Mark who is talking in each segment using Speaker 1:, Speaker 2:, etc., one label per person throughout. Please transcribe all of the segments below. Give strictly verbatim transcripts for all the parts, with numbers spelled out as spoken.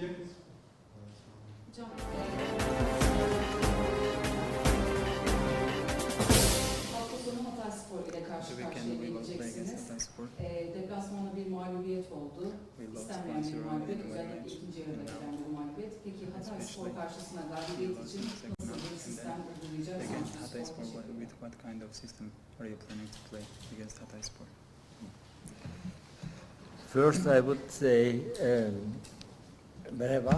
Speaker 1: Hocam, hafta sonu Hatayspor ile karşı karşıya geleceksiniz. E, deplasmanda bir mağlubiyet oldu. İstenmeyen bir mağlubiyet, özellikle ikinci yarıda gelen bir mağlubiyet. Peki Hatayspor karşısında galibiyet için nasıl bir sistem uygulayacaksınız?
Speaker 2: Hatayspor, with what kind of system are you planning to play against Hatayspor?
Speaker 3: First, I would say um, merhaba,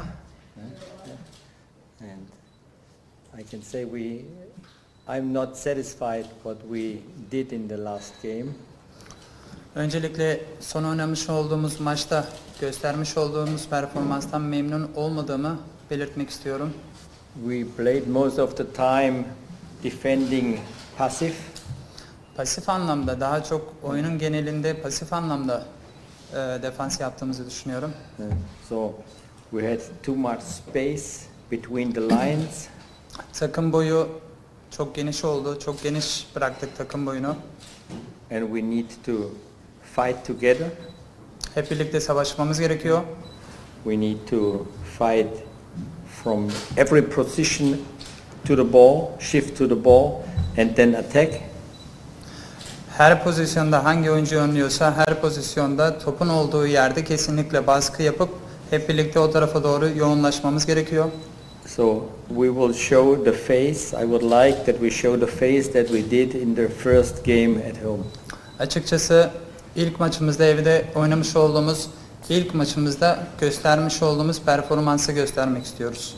Speaker 3: and I can say we. I'm not satisfied what we did in the last game.
Speaker 2: Öncelikle son oynamış olduğumuz maçta göstermiş olduğumuz performanstan memnun olmadığımı belirtmek istiyorum.
Speaker 3: We played most of the time defending passive.
Speaker 2: Pasif anlamda, daha çok oyunun genelinde pasif anlamda e, defans yaptığımızı düşünüyorum.
Speaker 3: Uh, so we had too much space between the lines.
Speaker 2: Takım boyu çok geniş oldu, çok geniş bıraktık takım boyunu.
Speaker 3: And we need to fight together.
Speaker 2: Hep birlikte savaşmamız gerekiyor.
Speaker 3: We need to fight from every position to the ball, shift to the ball, and then attack.
Speaker 2: Her pozisyonda hangi oyuncu oynuyorsa her pozisyonda topun olduğu yerde kesinlikle baskı yapıp hep birlikte o tarafa doğru yoğunlaşmamız gerekiyor.
Speaker 3: So we will show the face. I would like that we show the face that we did in the first game at home.
Speaker 2: Açıkçası ilk maçımızda evde oynamış olduğumuz ilk maçımızda göstermiş olduğumuz performansı göstermek istiyoruz.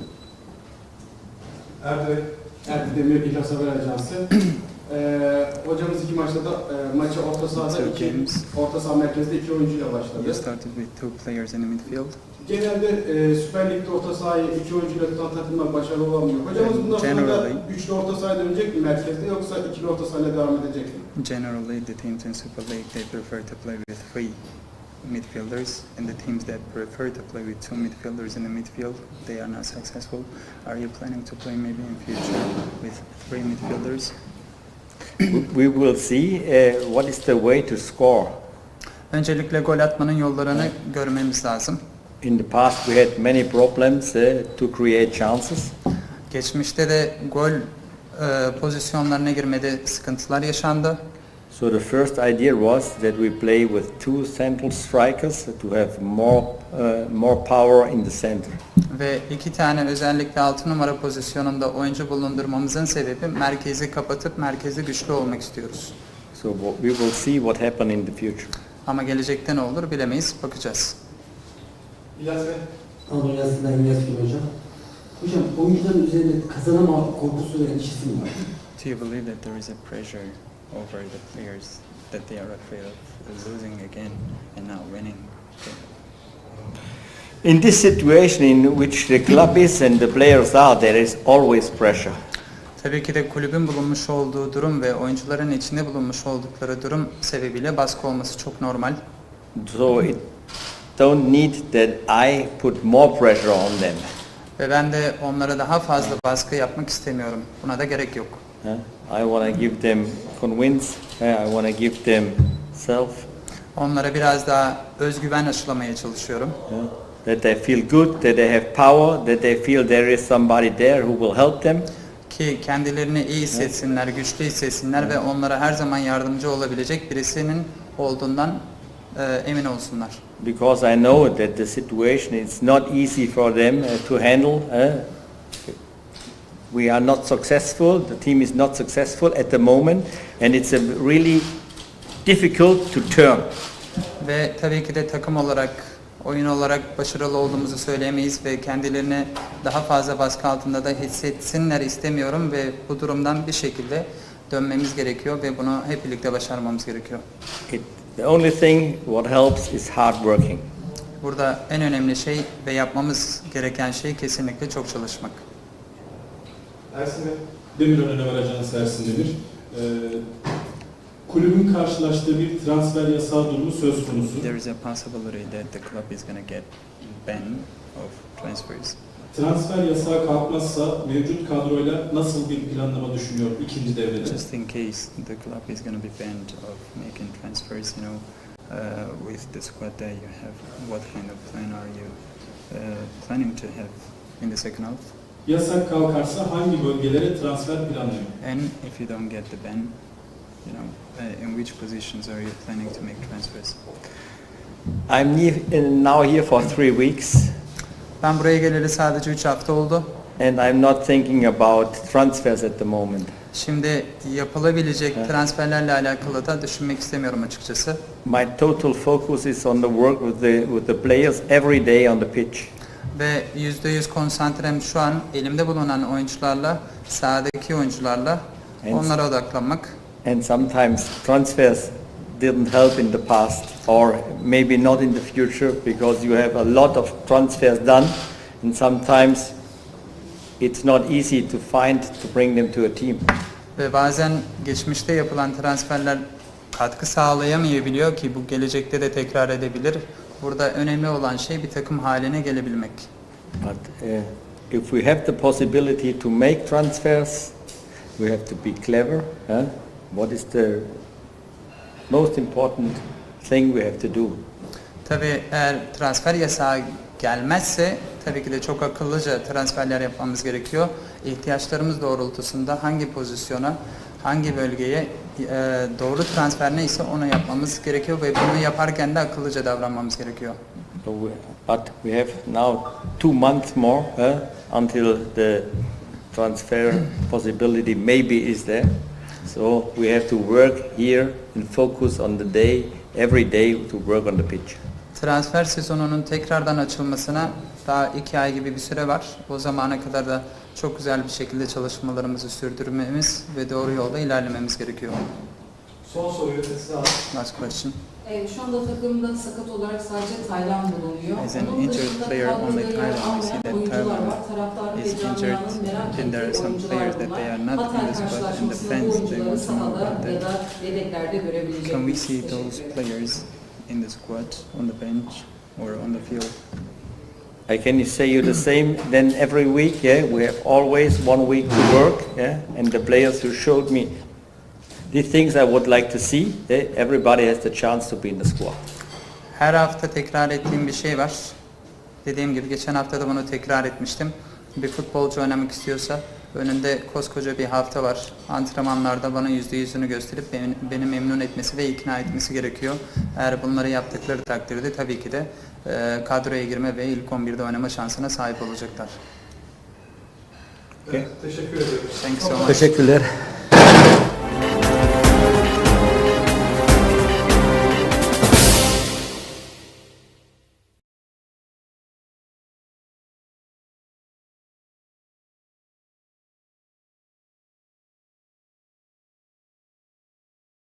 Speaker 4: Erdi, Erdi Demir İhlas Haber Ajansı. ee, hocamız iki maçta da e, maçı orta sahada iki, orta saha merkezde iki oyuncuyla başladı.
Speaker 2: We started with two players in the midfield.
Speaker 4: Genelde e, Süper Lig'de orta sahayı iki oyuncuyla tutan takımlar başarılı olamıyor. Hocamız bundan sonra da üçlü orta sahaya dönecek mi merkezde yoksa ikili orta sahayla devam edecek mi?
Speaker 2: Generally, the teams in Super League they prefer to play with three midfielders, and the teams that prefer to play with two midfielders in the midfield, they are not successful. Are you planning to play maybe in future with three midfielders?
Speaker 3: We will see uh, what is the way to score.
Speaker 2: Öncelikle gol atmanın yollarını görmemiz lazım.
Speaker 3: In the past we had many problems uh, to create chances.
Speaker 2: Geçmişte de gol e, pozisyonlarına girmede sıkıntılar yaşandı.
Speaker 3: So the first idea was that we play with two central strikers to have more uh, more power in the center.
Speaker 2: Ve iki tane özellikle altı numara pozisyonunda oyuncu bulundurmamızın sebebi merkezi kapatıp merkezi güçlü olmak istiyoruz.
Speaker 3: So what- we will see what happen in the future.
Speaker 2: Ama gelecekte ne olur bilemeyiz, bakacağız.
Speaker 4: İlyas Bey.
Speaker 5: Anadolu Üniversitesi'nden İlyas Gül Hocam. Hocam oyuncuların üzerinde kazanama korkusu ve endişesi mi var?
Speaker 2: Do you believe that there is a pressure over the players that they are afraid of losing again and not winning?
Speaker 3: In this situation in which the club is and the players are, there is always pressure.
Speaker 2: Tabii ki de kulübün bulunmuş olduğu durum ve oyuncuların içinde bulunmuş oldukları durum sebebiyle baskı olması çok normal.
Speaker 3: So it don't need that I put more pressure on them.
Speaker 2: Ve ben de onlara daha fazla baskı yapmak istemiyorum. Buna da gerek yok.
Speaker 3: Huh? I want to give them convince. uh, I want to give them self.
Speaker 2: Onlara biraz daha özgüven aşılamaya çalışıyorum.
Speaker 3: uh, That they feel good, that they have power, that they feel there is somebody there who will help them.
Speaker 2: Ki kendilerini iyi hissetsinler, güçlü hissetsinler ve onlara her zaman yardımcı olabilecek birisinin olduğundan e, emin olsunlar.
Speaker 3: Because I know that the situation is not easy for them uh, to handle. uh, We are not successful. The team is not successful at the moment, and it's a really difficult to turn.
Speaker 2: Ve tabii ki de takım olarak, oyun olarak başarılı olduğumuzu söyleyemeyiz ve kendilerini daha fazla baskı altında da hissetsinler istemiyorum ve bu durumdan bir şekilde dönmemiz gerekiyor ve bunu hep birlikte başarmamız gerekiyor.
Speaker 3: It, the only thing what helps is hard working.
Speaker 2: Burada en önemli şey ve yapmamız gereken şey kesinlikle çok çalışmak.
Speaker 6: Ersin Bey. Demirören Haber Ajansı Ersin Demir. Ee, kulübün karşılaştığı bir transfer yasağı durumu söz konusu.
Speaker 2: There is a possibility that the club is going to get ban of transfers.
Speaker 6: Transfer yasağı kalkmazsa mevcut kadroyla nasıl bir planlama düşünüyor ikinci devrede?
Speaker 2: Just in case the club is going to be banned of making transfers, you know, uh, with the squad that you have, what kind of plan are you uh, planning to have in the second half.
Speaker 6: Yasak kalkarsa hangi bölgelere transfer planlıyor?
Speaker 2: And if you don't get the ban, you know, uh, in which positions are you planning to make transfers?
Speaker 3: I'm ne- now here for three weeks,
Speaker 2: Ben buraya geleli sadece üç hafta oldu.
Speaker 3: and I'm not thinking about transfers at the moment.
Speaker 2: Şimdi yapılabilecek
Speaker 3: Evet.
Speaker 2: transferlerle alakalı da düşünmek istemiyorum açıkçası.
Speaker 3: My total focus is on the work with the with the players every day on the pitch.
Speaker 2: Ve yüzde yüz konsantrem şu an elimde bulunan oyuncularla, sahadaki oyuncularla
Speaker 3: And-
Speaker 2: onlara odaklanmak.
Speaker 3: And sometimes transfers didn't help in the past, or maybe not in the future, because you have a lot of transfers done, and sometimes it's not easy to find to bring them to a team.
Speaker 2: Ve bazen geçmişte yapılan transferler katkı sağlayamayabiliyor ki bu gelecekte de tekrar edebilir. Burada önemli olan şey bir takım haline gelebilmek.
Speaker 3: But uh, if we have the possibility to make transfers, we have to be clever. Huh? What is the most important thing we have to do?
Speaker 2: Tabii eğer transfer yasağı gelmezse tabii ki de çok akıllıca transferler yapmamız gerekiyor. İhtiyaçlarımız doğrultusunda hangi pozisyona, hangi bölgeye e, doğru transfer neyse onu yapmamız gerekiyor ve bunu yaparken de akıllıca davranmamız gerekiyor.
Speaker 3: So we, but we have now two months more huh, until the transfer possibility maybe is there. So we have to work here and focus on the day, every day to work on the pitch.
Speaker 2: Transfer sezonunun tekrardan açılmasına daha iki ay gibi bir süre var. O zamana kadar da çok güzel bir şekilde çalışmalarımızı sürdürmemiz ve doğru yolda ilerlememiz gerekiyor.
Speaker 7: Son soruyu size alalım.
Speaker 2: Last question.
Speaker 1: E, şu anda takımda sakat olarak sadece Taylan bulunuyor.
Speaker 2: As an
Speaker 1: Onun
Speaker 2: injured
Speaker 1: dışında
Speaker 2: player,
Speaker 1: kadroda
Speaker 2: only
Speaker 1: yer
Speaker 2: Thailand, we see
Speaker 1: almayan
Speaker 2: that
Speaker 1: oyuncular
Speaker 2: Thailand
Speaker 1: var. Taraftarı
Speaker 2: is
Speaker 1: ve
Speaker 2: injured,
Speaker 1: camianın merak
Speaker 2: and there are
Speaker 1: ettiği
Speaker 2: some
Speaker 1: oyuncular
Speaker 2: players that they
Speaker 1: bunlar.
Speaker 2: are not in
Speaker 1: Hatay
Speaker 2: the squad, and the
Speaker 1: karşılaşmasında
Speaker 2: fans,
Speaker 1: bu
Speaker 2: they
Speaker 1: oyuncuları
Speaker 2: want to know
Speaker 1: sahada
Speaker 2: about
Speaker 1: ya
Speaker 2: that.
Speaker 1: da yedeklerde görebilecek
Speaker 2: Can we
Speaker 1: miyiz?
Speaker 2: see
Speaker 1: Teşekkür
Speaker 2: those
Speaker 1: ederim.
Speaker 2: players in the squad, on the bench, or on the field?
Speaker 3: I can say you the same. Then every week, yeah, we have always one week to work, yeah, and the players who showed me the things I would like to see, yeah, everybody has the chance to be in the squad.
Speaker 2: Her hafta tekrar ettiğim bir şey var. Dediğim gibi geçen hafta da bunu tekrar etmiştim. Bir futbolcu oynamak istiyorsa önünde koskoca bir hafta var. Antrenmanlarda bana yüzde yüzünü gösterip beni, beni memnun etmesi ve ikna etmesi gerekiyor. Eğer bunları yaptıkları takdirde tabii ki de e, kadroya girme ve ilk on birde oynama şansına sahip olacaklar.
Speaker 7: Evet, teşekkür ediyoruz.
Speaker 2: Thanks so much.
Speaker 3: Teşekkürler.